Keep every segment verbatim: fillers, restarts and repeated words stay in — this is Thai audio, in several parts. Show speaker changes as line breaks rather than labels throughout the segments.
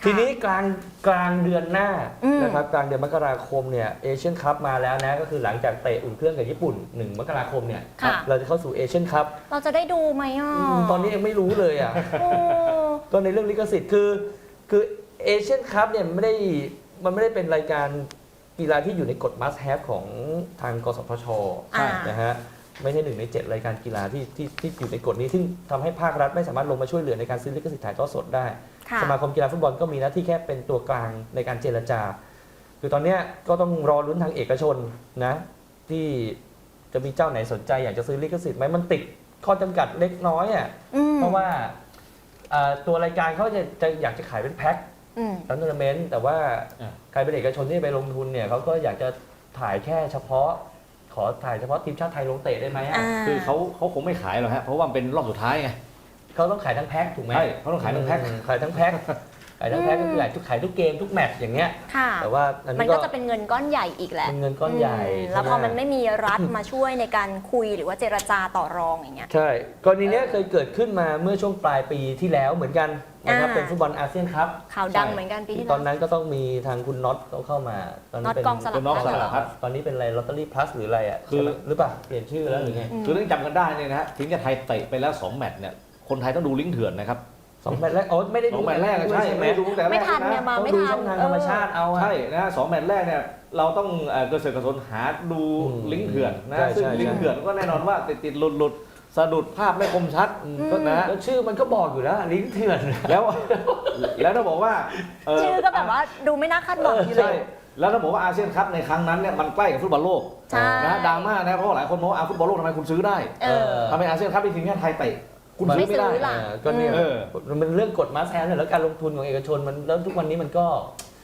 ทีนี้กลางกลางเดือนหน้านะครับกลางเดือนมกราคมเนี่ยเอเชียนคัพมาแล้วนะก็คือหลังจากเตะอุ่นเครื่องกับญี่ปุ่นหนึ่งมกราคมเนี่ยเราจะเข้าสู่เอเชียนคัพ
เราจะได้ดูไหมอ่ะ
ตอนนี้ยังไม่รู้เลยอ่ะก็ในเรื่องลิขสิทธิ์คือคือเอเชียนคัพเนี่ยไม่ได้มันไม่ได้เป็นรายการกีฬาที่อยู่ในกฎ must have ของทางกสทช.นะฮะไม่ใช่หนึ่งในเจ็ดรายการกีฬาที่ที่ที่อยู่ในกฎนี้ซึ่งทำให้ภาครัฐไม่สามารถลงมาช่วยเหลือในการซื้อลิขสิทธิ์ถ่ายทอดสดได้สมาคมกีฬาฟุตบอลก็มีหน้าที่แค่เป็นตัวกลางในการเจรจาคือตอนนี้ก็ต้องรอลุ้นทางเอกชนนะที่จะมีเจ้าไหนสนใจอยากจะซื้อลิขสิทธิ์ไหมมันติดข้อจำกัดเล็กน้อยอ่ะเพราะว่าตัวรายการเขาจะจะอยากจะขายเป็นแพ็คทัวร์นาเมนต์แต่ว่าใครเป็นเอกชนที่ไปลงทุนเนี่ยเขาก็อยากจะถ่ายแค่เฉพาะขอถ่ายเฉพาะทีมชาติไทยลงเตะได้ไหม
คือเขาเขาคงไม่ขายหรอกฮะเพราะว่าเป็นรอบสุดท้ายไง
เขาต้องขายทั้งแพ็คถูกไหม
ใช่เขาต้องขายทั้งแพ็ค
ขายทั้งแพ็คขายทั้งแพ็คก็คือขายทุกขายทุกเกมทุกแมตช์อย่างเงี้ยแต่ว่า
มันก็จะเป็นเงินก้อนใหญ่อีกแหละ
เป็นเงินก้อนใหญ่
แล้วพอมันไม่มีรัฐมาช่วยในการคุยหรือว่าเจรจาต่อรองอย่างเงี้ย
ใช่กรณีนี้เคยเกิดขึ้นมาเมื่อช่วงปลายปีที่แล้วเหมือนกันนะครับเป็นฟุตบอลอาเซียนคัพ
ข่าวดังเหมือนกันปีที่
ตอนนั้นก็ต้องมีทางคุณน็อตเขาเข้ามา
ตอนนี้เป็นกองสลับ
พัดตอนนี้เป็นอะไรลอตเตอรี่พลัสหรืออะไรอ่ะคือหรือเปล่าเปลี่ยนชื่อแล้วหรือไง
คือเรื่องจำกันได้เนี่ยนะฮะถึงจะไทยเตะไปแล้วสองแมตช์เนี่ยคนไทยต้องดูลิงก์เถื่อนนะครับ
สองแมตช์แรกอ๋อไม่ได้ดู
แมตช์แรกใช่ไม่ดูแต่แรก
ไม่ทันเนี่ยมาไม่ทัน
ช่องทางธรรมชาติเอา
ใช่นะสองแมตช์แรกเนี่ยเราต้องเกิดเสกกระสนหาดูลิงก์เถื่อนนะซึ่งลิงก์เถื่อนก็แน่นอนว่าติดติดหลุดหลุดสะดุดภาพไม่คมชัดก็นะ
แล้วชื่อมันก็บอกอยู่แล้วลิงก์เถื่อน
แล้วแล้วถ้าบอกว่า
ชื่อก็แบบว่าดูไม่น่าคาดหวังอยู่เลย
แล้วถ้าบอกว่าอาเซียนคัพในครั้งนั้นเนี่ยมันใกล้กับฟุตบอลโลกนะดราม่านะเพราะหลายคนบอกว่าฟุตบอลโลกทำไมคุณซื้อได้ทำไมอาเซียนคัพเป็นทีมแค่ไทยเตะคุณซื้อไม่ได้
ก็เนี่ยมันเป็นเรื่องกฎมาแซนเนี่ยแล้วการลงทุนของเอกชนมันแล้วทุกวันนี้มันก็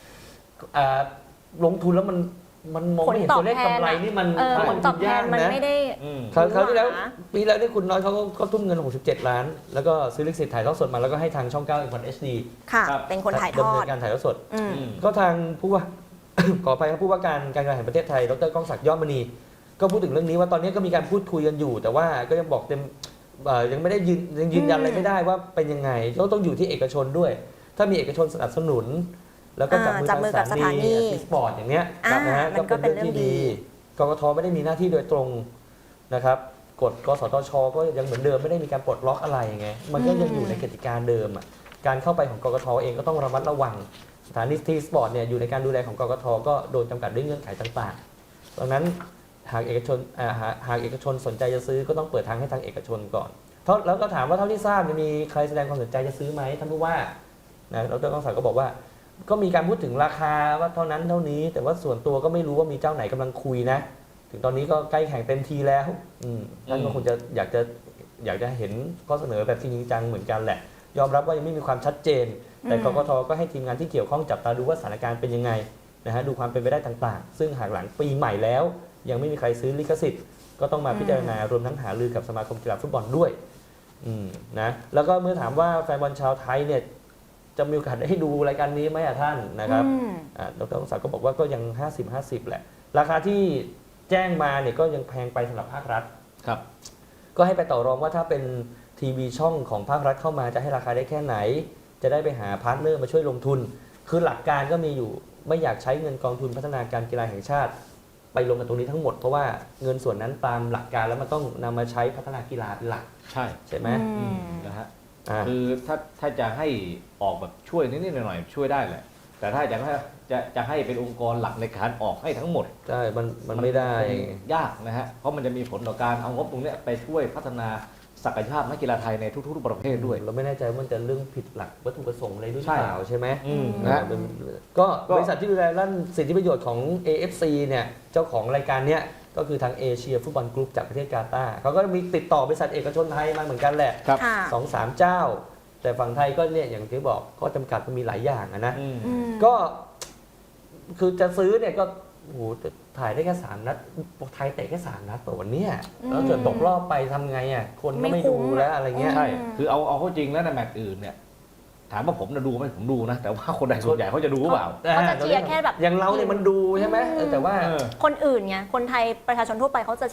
ลงทุนแล้วมันมันมองไม่เห็นตัวเลขกำไรนี่มัน
ผลตอบแทนมันไม่ได้
คราวที่แล้วปีแล้วที่คุณน้อยเขาก็ทุ่มเงินหกสิบเจ็ดล้านแล้วก็ซื้อลิขสิทธิ์ถ่ายทอดสดมาแล้วก็ให้ทางช่องเก้า เอ็ม วัน เอช ดี
ค่ะเป็นคนถ่ายทอด
ดำเนินการถ่ายทอดสดก็ทางผู้ว่าขออภัยครับผู้ว่าการการกีฬาแห่งประเทศไทยดร.ก้องศักดิ์ยอดมณีก็พูดถึงเรื่องนี้ว่าตอนนี้ก็มีการพูดคุยกันอยู่แต่ว่าก็ยังบอกเต็มยังไม่ได้ยืนยังยืนยันอะไรไม่ได้ว่าเป็นยังไงก็ต้องอยู่ที่เอกชนด้วย ถ้ามีเอกชนสนับสนุนแล้วก็จับมือกับสถานีสปอร์ตอย่างเงี้ยนะฮะก็เป็นเรื่องที่ดีกกท.ไม่ได้มีหน้าที่โดยตรงนะครับกฎกสทช.ก็ยังเหมือนเดิมไม่ได้มีการปลดล็อกอะไรไงมันก็ยังอยู่ในกติกาเดิมอ่ะการเข้าไปของกกท.เองก็ต้องระมัดระวังสถานีทีสปอร์ตเนี่ยอยู่ในการดูแลของกกท.ก็โดนจำกัดด้วยเงื่อนไขต่างๆดังนั้นหากเอกชนหากเอกชนสนใจจะซื้อก็ต้องเปิดทางให้ทางเอกชนก่อนแล้วก็ถามว่าเท่าที่ทราบมีใครแสดงความสนใจจะซื้อไหมท่านผู้ว่านะดร.ก้องศักดิ์ก็บอกว่าก็มีการพูดถึงราคาว่าเท่านั้นเท่านี้แต่ว่าส่วนตัวก็ไม่รู้ว่ามีเจ้าไหนกำลังคุยนะถึงตอนนี้ก็ใกล้แข่งเต็มทีแล้วท่านก็คงจะอยากจะอยากจะเห็นข้อเสนอแบบจริงจังเหมือนกันแหละยอมรับว่ายังไม่มีความชัดเจนแต่กกท.ก็ให้ทีมงานที่เกี่ยวข้องจับตาดูว่าสถานการณ์เป็นยังไงนะฮะดูความเป็นไปได้ต่างๆซึ่งหากหลังปีใหม่แล้วยังไม่มีใครซื้อลิขสิทธิ์ก็ต้องมาพิจารณารวมทั้งหารือกับสมาคมกีฬาฟุตบอลด้วยนะแล้วก็เมื่อถามว่าแฟนบอลชาวไทยเนี่ยจะมีโอกาสได้ดูรายการนี้ไหมอ่ะท่านนะครับดร.ศักดิ์ก็บอกว่าก็ยัง ห้าสิบ ห้าสิบ แหละราคาที่แจ้งมาเนี่ยก็ยังแพงไปสำหรับภาครัฐ
ครับ
ก็ให้ไปต่อรองว่าถ้าเป็นทีวีช่องของภาครัฐเข้ามาจะให้ราคาได้แค่ไหนจะได้ไปหาพาร์ทเนอร์มาช่วยลงทุนคือหลักการก็มีอยู่ไม่อยากใช้เงินกองทุนพัฒนาการกีฬาแห่งชาติไปลงกับตรงนี้ทั้งหมดเพราะว่าเงินส่วนนั้นตามหลักการแล้วมันต้องนำมาใช้พัฒนากีฬาเป็นหลัก
ใช่
ใช่ไหม
นะฮะคือถ้าถ้าจะให้ออกแบบช่วยนิดๆหน่อยๆช่วยได้แหละแต่ถ้าจะให้จะจะให้เป็นองค์กรหลักในการออกให้ทั้งหมด
ใช่มันมันไม่ได้
ยากนะฮะเพราะมันจะมีผลต่อการเอางบตรงนี้ไปช่วยพัฒนาศักยภาพนักกีฬาไทยในทุกๆประเภทด้วย
เราไม่แน่ใจว่ามันจะเรื่องผิดหลักวัตถุประสงค์อะไรด้วยหรือเปล่าใช่ไหม
นะ
ก็บริษัทที่ดูแลด้านสิทธิประโยชน์ของ เอ เอฟ ซี เนี่ยเจ้าของรายการเนี้ยก็คือทางเอเชียฟุตบอลกรุ๊ปจากประเทศกาตาร์เขาก็มีติดต่อบริษัทเอกชนไทยมาเหมือนกันแหละสองสามเจ้าแต่ฝั่งไทยก็เนี่ยอย่างที่บอกก็จำกัดมันมีหลายอย่างนะก็คือจะซื้อเนี่ยก็โอ้โหถ่ายได้แค่สามนัดไทยเตะแค่สามนัดต่อวันนี้แล้วเกิดตกรอบไปทำไงอ่ะคนก็ไม่ดูแล้วอะไรเงี้ย
ใช่คือเอาเอาเข้าจริงแล้วในแมตช์อื่นเนี่ยถามว่าผมจะดูไหมผมดูนะแต่ว่าคนใดส่วนใหญ่เขาจะดูหรือเปล่า
เขาจะเชียร์แค่แบบ
อย่างเราเนี่ยมันดูใช่ไหมแต่ว่า
คนอื่นไงคนไทยประชาชนทั่วไปเขาจะเชียร์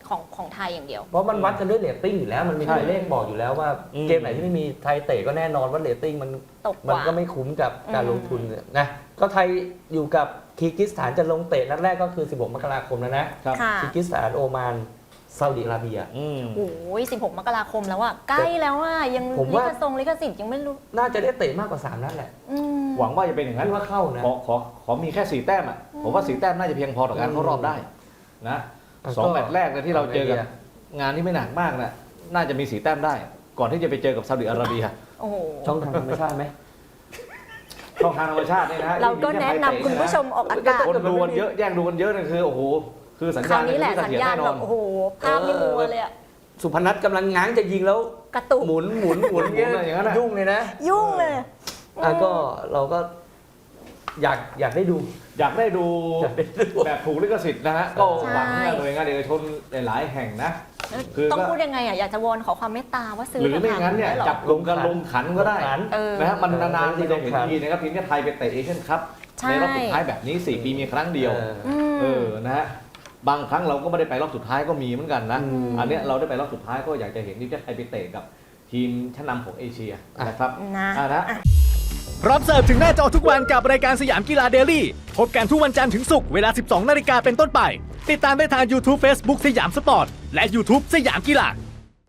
ของของไทยอย่างเดียว
เพราะมันวัดกันด้วยเรตติ้งอยู่แล้วมันมี
ใช่
ตัวเลขบอกอยู่แล้วว่า
อืม
เกมไหนที่ไม่มีไทยเตะก็แน่นอนว่าเรตติ้งมัน
ตกก
มัน
ว่า
ก็ไม่คุ้มกับการ
อืม
ลงทุนนะก็ไทยอยู่กับคีร์กิสถานจะลงเตะนัดแรกก็คือสิบหกมกราคมแล้วนะครับ
ค่ะ
คีร์กิสถานโอมานซาอุดิอาระเบีย
อืม
โอ้ยสิบหกมกราคมแล้วอะใกล้แล้วอะยัง
ผม
ลิ
ว่า
ขทรงลิขสิทธิ์ยังไม่รู้
น่าจะได้เตะมากกว่าสามนัดแหละ
อืม
หวังว่าจะเป็นอย่างนั้น
คิดว่าเข้านะ
ขอขอขอมีแค่สี่แต้มอ่ะผมว่าสี่แต้มน่าจะเพียงพอต่อการเข้ารอบได้นะ
อ่ะ
สอง
ก็
แมตช์แรกเนี่ยที่เราเจอกับ
เอาไงดีอะ
งานที่ไม่หนักมากนะน่าจะมีสี่แต้มได้ ก่อนที่จะไปเจอกับซาอุดิอาระเบีย
โอ้โห
ช่องทางธรรมชาติไหม
ช่องทางธรรมชาติเนี่ยนะ
เราก็
ที่มี
แนะ
ค่
นำ
ไทยเตะ
คุณผู้ชมออกอากาศ
คนดูกันเยอะแย่งดูกันเยอะเนี่ยคือโอ้โหคือสัญ
ครา
ญาว ณ
นี้แหละ
ไม่
สัญ
เสถียร
ญาณ
แน่น
แบ
อน
บโอ้โหภาพนี่มัวเลยอะ
สุพนัทกำลังง้างจะยิงแล้ว
กระตุก
หมุนหมุนหมุน
หมุนอะไรอย่างนั้นอะ
ยุ่งเลยนะ
ยุ่งเลย
อ่ะก็เราก็อยากอยากได้ดู
อยากได้ดู
อยากได้ดู
แบบถูกลิขสิทธิ์นะฮะก็หวังให้หน่วยงานเอกชนหลายๆแห่งนะ คือก็
ต้องพูดยังไงอะอยากจะวอนขอความเมตตาว่าซื้อ
หรือไม่งั้นเนี่ย
ได้หรอ
จับกลุ่มกันลงขันก็ได้
ลงขัน
เออ
นะฮะมันนานๆ
เออ
ทีจะเห็นทีนะครับทีมชาติไทยไปเตะเอเชียนคัพ
ใช่
ในรอบสุดท้ายแบบนี้สี่ปีมีครั้งเดียว
เออ
อืม
เออนะฮะบางครั้งเราก็ไม่ได้ไปรอบสุดท้ายก็มีเหมือนกันนะ
อืม
อันเนี้ยเราได้ไปรอบสุดท้ายก็อยากจะเห็นทีมชาติไทยไปเตะกับทีมชั้นนำของเอเชียนะครับ
นะ
อ่านะ
รับเสิร์ฟถึงหน้าจอทุกวันกับรายการสยามกีฬาเดลี่พบกันทุกวันจันทร์ถึงศุกร์เวลา สิบสองนาฬิกาเป็นต้นไป ติดตามได้ทาง YouTube Facebook สยามสปอร์ต และ YouTube สยามกีฬา